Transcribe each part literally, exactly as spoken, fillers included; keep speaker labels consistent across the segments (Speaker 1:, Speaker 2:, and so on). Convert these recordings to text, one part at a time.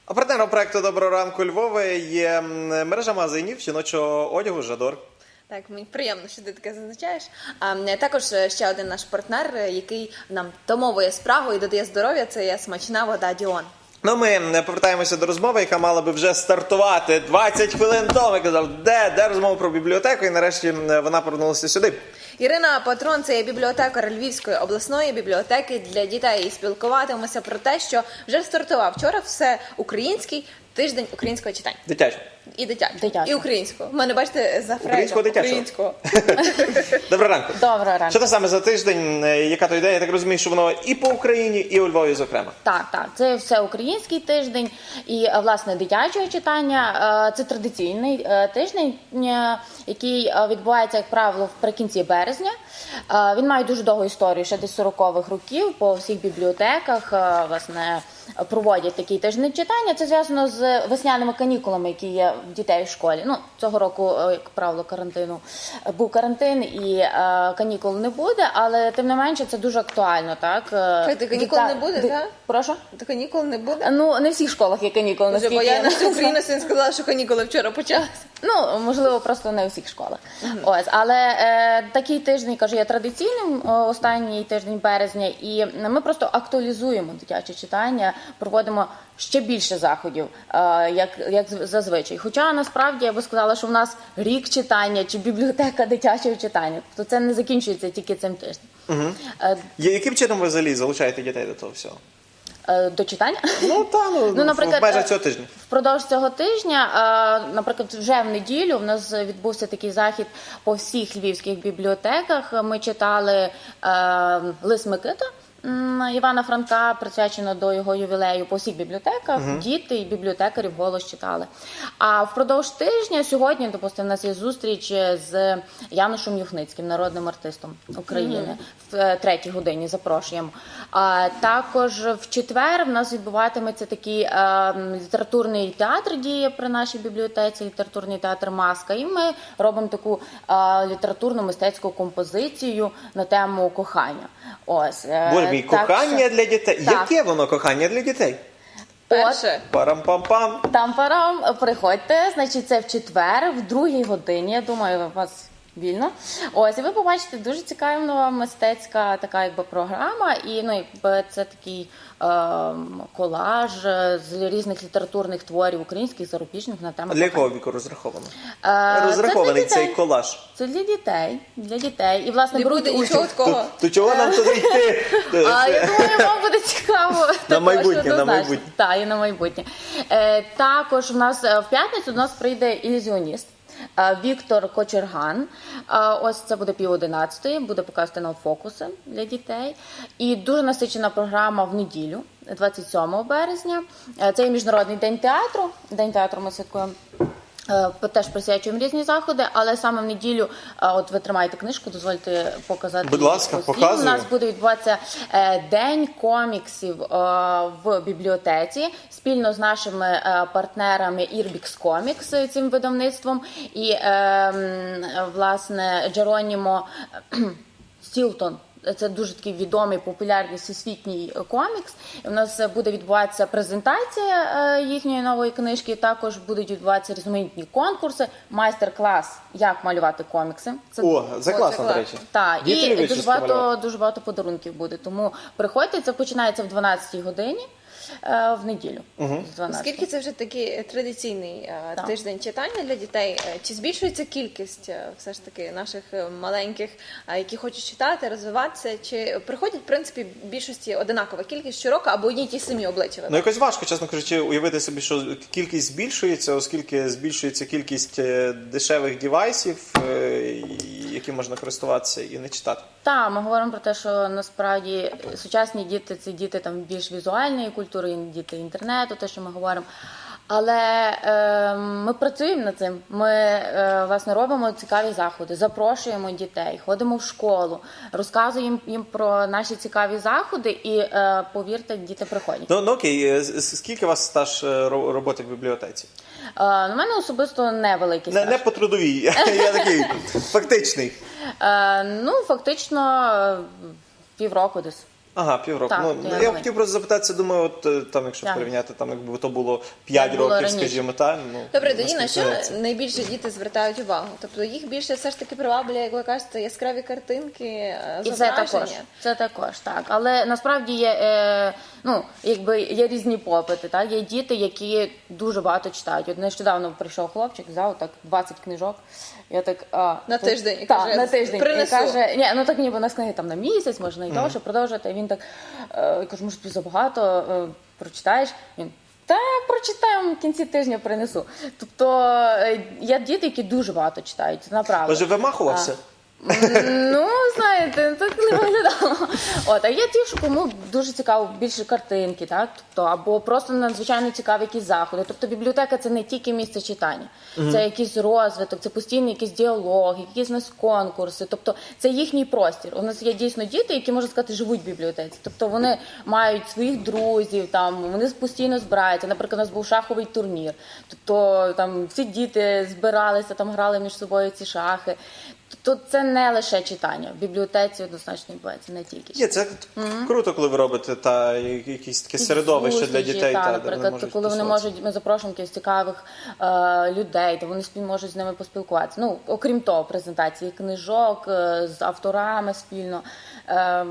Speaker 1: А партнером проекту «Доброго ранку Львове» є мережа магазинів жіночого одягу «Жадор».
Speaker 2: Так, мені приємно, що ти таке зазначаєш. А, також ще один наш партнер, який нам домовує справу і додає здоров'я, це є смачна вода Діон.
Speaker 1: Ну, ми повертаємося до розмови, яка мала би вже стартувати двадцять хвилин тому. Я казав, де, де розмова про бібліотеку, і нарешті вона повернулася сюди.
Speaker 2: Ірина Патрон – це є бібліотекар Львівської обласної бібліотеки для дітей. І спілкуватимемося про те, що вже стартував вчора всеукраїнський тиждень українського читання.
Speaker 1: Дитячо.
Speaker 2: І дитячого.
Speaker 3: Дитячого.
Speaker 2: І українського. У мене, бачите, за фрейдом.
Speaker 1: Українського, дитячого.
Speaker 2: Українського.
Speaker 1: Доброго ранку.
Speaker 3: Доброго ранку.
Speaker 1: Що це саме за тиждень, яка то ідея? Я так розумію, що воно і по Україні, і у Львові, зокрема.
Speaker 3: Так, так, це всеукраїнський тиждень і, власне, дитячого читання. Це традиційний тиждень, який відбувається, як правило, вприкінці березня. Він має дуже довгу історію, ще десь сорокових років, по всіх бібліотеках, власне, проводять такий тиждень читання. Це зв'язано з весняними канікулами, які є в дітей в школі. Ну, цього року, як правило, карантину був карантин і е, канікул не буде, але тим не менше це дуже актуально, так?
Speaker 2: Ти канікул
Speaker 3: Діта...
Speaker 2: не буде,
Speaker 3: Ди...
Speaker 2: так?
Speaker 3: Прошу?
Speaker 2: Та канікул не буде?
Speaker 3: Ну, не в всіх школах є канікули,
Speaker 2: Бо
Speaker 3: наскільки
Speaker 2: я на
Speaker 3: знаю.
Speaker 2: Україну сьогодні сказала, що канікули вчора почалися.
Speaker 3: Ну, можливо, просто не у всіх школах. Uh-huh. Ось, але е, такий тиждень, кажу, є традиційним, е, останній тиждень березня, і ми просто актуалізуємо дитяче читання, проводимо ще більше заходів, е, як, як зазвичай. Хоча, насправді, я би сказала, що в нас рік читання чи бібліотека дитячого читання. Тобто це не закінчується тільки цим тижнем.
Speaker 1: Угу.
Speaker 3: Е,
Speaker 1: Яким чином ви взагалі залучаєте дітей до того всього?
Speaker 3: До читання?
Speaker 1: Ну, та, ну,
Speaker 3: ну, наприклад,
Speaker 1: в межах цього тижня.
Speaker 3: Впродовж цього тижня, наприклад, вже в неділю в нас відбувся такий захід по всіх львівських бібліотеках. Ми читали «Лис Микита» Івана Франка, присвячено до його ювілею, по всіх бібліотеках. Uh-huh. Діти і бібліотекарі вголос читали. А впродовж тижня, сьогодні, допустимо, у нас є зустріч з Янушем Юхницьким, народним артистом України, uh-huh. в третій годині запрошуємо. А також в четвер в нас відбуватиметься такий е, літературний театр діє при нашій бібліотеці, літературний театр «Маска». І ми робимо таку е, літературну мистецьку композицію на тему кохання. Ось.
Speaker 1: Боже мій, кохання
Speaker 3: що...
Speaker 1: для дітей.
Speaker 3: Так.
Speaker 1: Яке воно кохання для дітей?
Speaker 2: Перше.
Speaker 1: Парам-пам-пам.
Speaker 3: Там-парам, приходьте, значить, це в четвер, в другій годині, я думаю, у вас вільно. Ось, і ви побачите дуже цікава мистецька така, якби, програма, і, ну, якби, це такий е, колаж з різних літературних творів українських, зарубіжних на тему.
Speaker 1: А для якого віку розраховано?
Speaker 3: Е,
Speaker 1: Розрахований цей колаж?
Speaker 3: Це для дітей, для дітей. І, власне,
Speaker 2: не буде нічого такого.
Speaker 1: То, то чого нам туди йти?
Speaker 3: А, я думаю, вам буде цікаво.
Speaker 1: На майбутнє, на майбутнє.
Speaker 3: Так, і на майбутнє. Е, також у нас в п'ятницю до нас прийде ілюзіоніст Віктор Кочерган. Ось це буде пів одинадцятої, буде показувати нам фокуси для дітей. І дуже насичена програма в неділю, двадцять сьомого березня. Це є Міжнародний день театру. День театру ми святкуємо. Теж присвячуємо різні заходи, але саме в неділю, от ви тримаєте книжку, дозвольте показати.
Speaker 1: Будь ласка, показую.
Speaker 3: У нас буде відбуватися День коміксів в бібліотеці спільно з нашими партнерами Irbic Comics, цим видавництвом, і, власне, Джеронімо Стілтон. Це дуже такий відомий, популярний всесвітній комікс. У нас буде відбуватися презентація їхньої нової книжки, також будуть відбуватися різноманітні конкурси, майстер-клас, як малювати комікси.
Speaker 1: Це... О, це класно, до речі.
Speaker 3: Так, і дуже багато, дуже багато подарунків буде. Тому приходьте, це починається в дванадцятій годині. В неділю.
Speaker 1: Угу.
Speaker 2: Оскільки це вже такий традиційний так. тиждень читання для дітей, чи збільшується кількість все ж таки наших маленьких, які хочуть читати, розвиватися, чи приходять, в принципі, в більшості одинакова кількість щороку або одні й ті самі обличчя?
Speaker 1: Ну, якось важко, чесно кажучи, уявити собі, що кількість збільшується, оскільки збільшується кількість дешевих девайсів, які можна користуватися і не читати.
Speaker 3: Так, ми говоримо про те, що насправді сучасні діти – це діти там більш візуальної культури, діти інтернету, те, що ми говоримо. Але е, ми працюємо над цим. Ми, е, власне, робимо цікаві заходи, запрошуємо дітей, ходимо в школу, розказуємо їм про наші цікаві заходи і, е, повірте, діти приходять.
Speaker 1: Ну, ну окей, скільки у вас стаж роботи в бібліотеці?
Speaker 3: Е, у мене особисто невеликий стаж.
Speaker 1: Не, не по трудовій, я такий фактичний.
Speaker 3: Е, ну, фактично, півроку десь.
Speaker 1: Ага, півроку.
Speaker 3: Так,
Speaker 1: Ну,
Speaker 3: то я
Speaker 1: я
Speaker 3: думаю.
Speaker 1: хотів просто запитатися, думаю, от е, там, якщо
Speaker 3: Так.
Speaker 1: порівняти, там, якби то було п'ять
Speaker 3: Як було
Speaker 1: років,
Speaker 3: раніше.
Speaker 1: скажімо, так. Ну,
Speaker 2: Добре, тоді на
Speaker 1: наскільки
Speaker 2: що
Speaker 1: це-
Speaker 2: найбільше діти звертають увагу? Тобто їх більше все ж таки приваблює, як ви кажете, яскраві картинки, е,
Speaker 3: І це
Speaker 2: зображення.
Speaker 3: також, це також так. Але насправді є, е, ну, якби є різні попити. Так? Є діти, які дуже багато читають. От нещодавно прийшов хлопчик, взяв так двадцять книжок. Я так, а,
Speaker 2: На
Speaker 3: так,
Speaker 2: тиждень, і
Speaker 3: Так,
Speaker 2: каже,
Speaker 3: на тиждень.
Speaker 2: «Принесу».
Speaker 3: І каже, ні, ну так ніби на книги там на місяць, можна і довше продовжити. І він так, е, я кажу, може тобі забагато е, прочитаєш? Він, та прочитаю, в кінці тижня принесу. Тобто е, є діти, які дуже багато читають, це направду.
Speaker 1: Може, вимахувався?
Speaker 3: Ну, знаєте, так не виглядало. От, а є ті, що кому дуже цікаво більше картинки, так? Тобто, або просто надзвичайно цікаві якісь заходи. Тобто бібліотека це не тільки місце читання, це якийсь розвиток, це постійний якийсь діалог, якісь у нас конкурси. Тобто це їхній простір. У нас є дійсно діти, які, можна сказати, живуть в бібліотеці. Тобто вони мають своїх друзів, там, вони постійно збираються. Наприклад, у нас був шаховий турнір. Тобто там всі діти збиралися, там грали між собою ці шахи. Тобто це не лише читання. В бібліотеці однозначно відбувається не тільки
Speaker 1: Є,
Speaker 3: читання.
Speaker 1: це круто, коли ви робите та якісь таке середовище для
Speaker 3: Зустрічі,
Speaker 1: дітей,
Speaker 3: та,
Speaker 1: та, де
Speaker 3: наприклад,
Speaker 1: вони можуть
Speaker 3: коли вони
Speaker 1: тусуватися.
Speaker 3: можуть, ми запрошуємо якихось цікавих е, людей, де вони спіль можуть з ними поспілкуватися. Ну, окрім того, презентації книжок е, з авторами спільно. Е,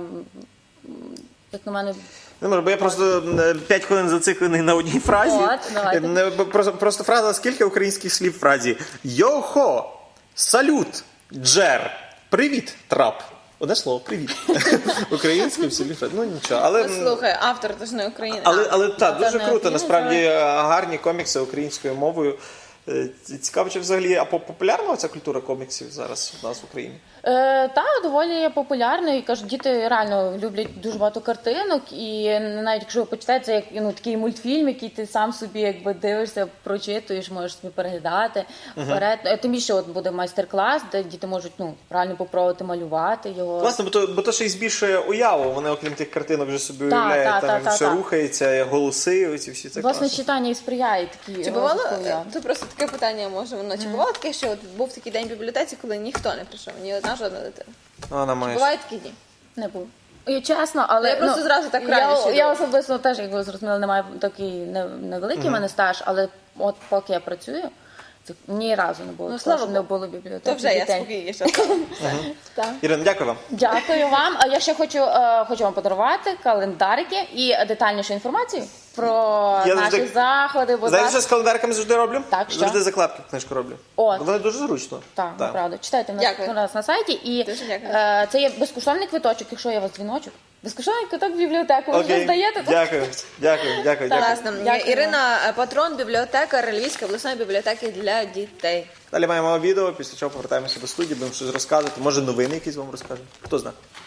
Speaker 3: як на мене,
Speaker 1: Не можу, бо я просто е, п'ять хвилин зациклений на одній фразі.
Speaker 3: От, давайте.
Speaker 1: Е, не, бо Просто, просто фраза, скільки українських слів в фразі? Йохо! Салют! Джер! Привіт! Трап! Одне слово, привіт. Українські всі фрази. Ну нічого. Але,
Speaker 2: Ну, слухай, автор то ж не Україна.
Speaker 1: але, але так,
Speaker 3: Це
Speaker 1: дуже
Speaker 3: не
Speaker 1: круто.
Speaker 3: Україна,
Speaker 1: Насправді е, гарні комікси українською мовою. Е, Цікаво, чи взагалі а по- популярна ця культура коміксів зараз у нас в Україні?
Speaker 3: Е, та доволі популярно, і кажуть, діти реально люблять дуже багато картинок, і навіть якщо ви почитаєте, це як ну такий мультфільм, який ти сам собі якби дивишся, прочитуєш, можеш собі переглядати вперед. Е, Тим більше от буде майстер-клас, де діти можуть ну реально попробувати малювати його.
Speaker 1: Власне, бо то, бо то ще й збільшує уяву. Вони, окрім тих картинок, вже собі
Speaker 3: Та,
Speaker 1: уявляють,
Speaker 3: та,
Speaker 1: там
Speaker 3: та,
Speaker 1: як
Speaker 3: та,
Speaker 1: все
Speaker 3: та.
Speaker 1: рухається, голоси, оці всі це
Speaker 3: Власне,
Speaker 1: класно.
Speaker 3: читання і сприяє такі
Speaker 2: Чи бувало,
Speaker 3: розвитку уяви.
Speaker 2: це просто таке питання може воно, чи бувало таке, що от був такий день в бібліотеці, коли ніхто не прийшов, ні одна жодна дитина?
Speaker 1: Вона має.
Speaker 2: Бувають такі дні?
Speaker 3: Не було. І чесно, але
Speaker 2: Я просто
Speaker 3: ну,
Speaker 2: зразу так
Speaker 3: я,
Speaker 2: раніше
Speaker 3: я
Speaker 2: думала.
Speaker 3: особисто теж, як ви зрозуміли, немає такий не- невеликий мене стаж, але от поки я працюю, це ні разу не було.
Speaker 2: Ну,
Speaker 3: такого,
Speaker 2: слава
Speaker 3: що не
Speaker 2: Богу.
Speaker 3: було бібліотеки.
Speaker 2: То вже я
Speaker 3: дітей.
Speaker 2: спокійніше.
Speaker 3: Так.
Speaker 1: Ірина, дякую вам.
Speaker 3: Дякую вам. А я ще хочу, е, хочу вам подарувати календарики і детальнішу інформацію про
Speaker 1: Я
Speaker 3: наші
Speaker 1: завжди-
Speaker 3: заходи. Будь
Speaker 1: Знаєте, що
Speaker 3: ласка.
Speaker 1: з календарками завжди роблю?
Speaker 3: Так, що?
Speaker 1: Завжди закладки в книжку роблю.
Speaker 3: От.
Speaker 1: Вони дуже зручно.
Speaker 3: Так, правда. Читайте в нас,
Speaker 2: Дякую.
Speaker 3: у нас на сайті. І
Speaker 2: Дуже дякую.
Speaker 3: е, це є безкоштовний квиточок, якщо є у вас дзвіночок. Безкоштовний квиток в бібліотеку. Ви вже здаєте? тут?
Speaker 1: Дякую, дякую, дякую, дякую.
Speaker 2: Класно.
Speaker 3: Дякую.
Speaker 2: Ірина Патрон, бібліотекар Львівської обласної бібліотеки для дітей.
Speaker 1: Далі маємо відео, після чого повертаємося до студії, будемо щось розказувати. Може новини якісь вам розкажемо. Хто знає.